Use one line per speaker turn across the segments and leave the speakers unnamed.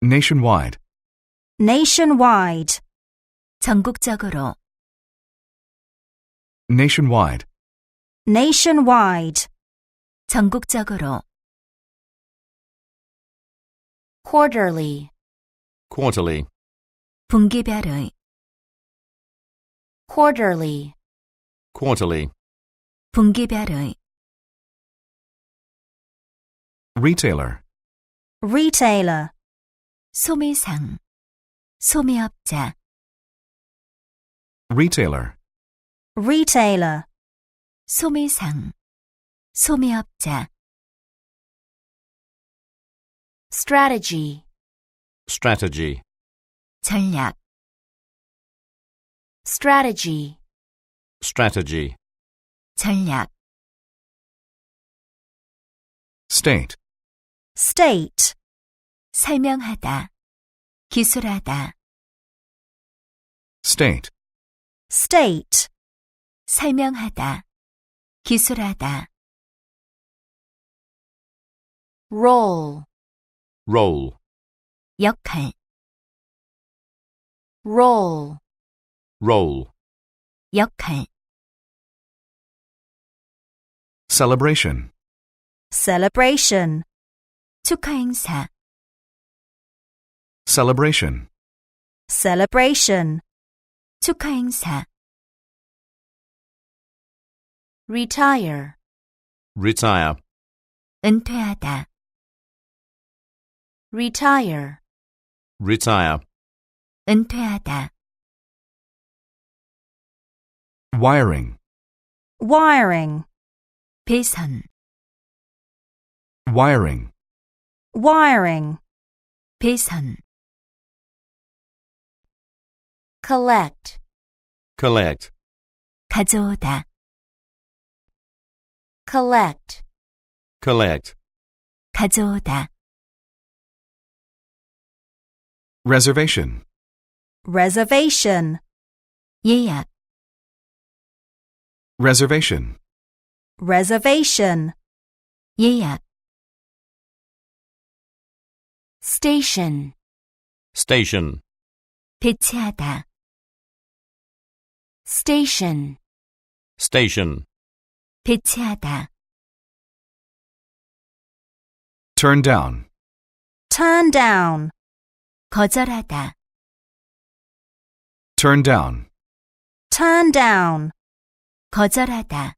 nationwide,
nationwide,
전국적으로,
nationwide,
nationwide,
전국적으로,
quarterly,
quarterly,
분기별의,
quarterly,
quarterly,
분기별의,
retailer,
retailer,
소매상, 소매업자,
retailer,
retailer,
소매상, 소매업자,
strategy,
strategy,
전략,
strategy,
strategy,
전략,
state,
state,
설명하다, 기술하다,
state,
state,
설명하다, 기술하다,
role,
role,
역할,
role,
role,
역할,
celebration,
celebration,
축하 행사,
celebration,
celebration,
축하 행사,
retire,
retire,
은퇴하다,
retire,
retire,
은퇴하다,
wiring,
wiring,
배선,
wiring,
wiring,
배선,
collect,
collect,
가져오다,
collect,
collect,
가져오다,
reservation,
reservation,
예약,
reservation,
reservation,
예약,
station,
station,
배치하다,
station,
station,
배치하다,
turn down,
turn down,
거절하다,
turn down,
turn down,
거절하다,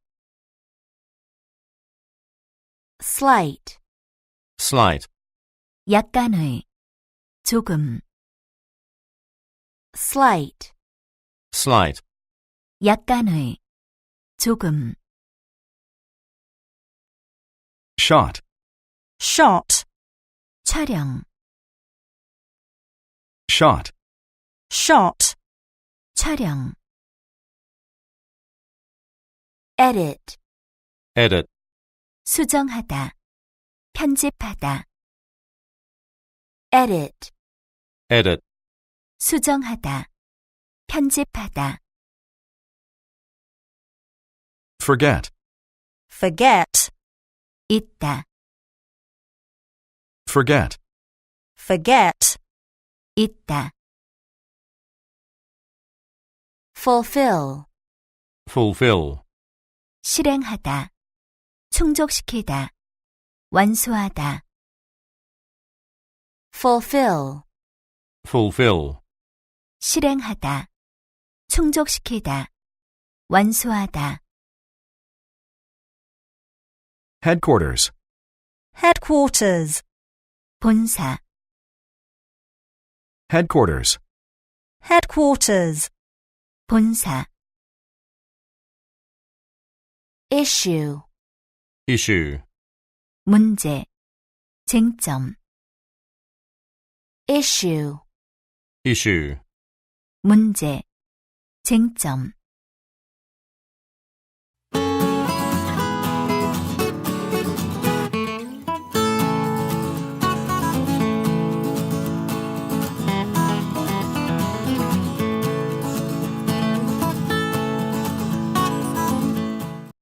slight,
slight,
약간의, 조금,
slight,
slight,
약간의, 조금,
shot,
shot,
촬영,
shot,
shot,
촬영,
edit,
edit,
수정하다, 편집하다,
edit,
edit,
수정하다, 편집하다,
forget,
forget,
있다,
forget,
forget,
있다,
fulfill,
fulfill,
실행하다, 충족시키다, 완수하다,
fulfill,
fulfill,
실행하다, 충족시키다, 완수하다,
headquarters,
headquarters,
본사,
headquarters,
headquarters,
본사,
issue,
issue,
문제, 쟁점,
issue,
issue,
문제, 쟁점,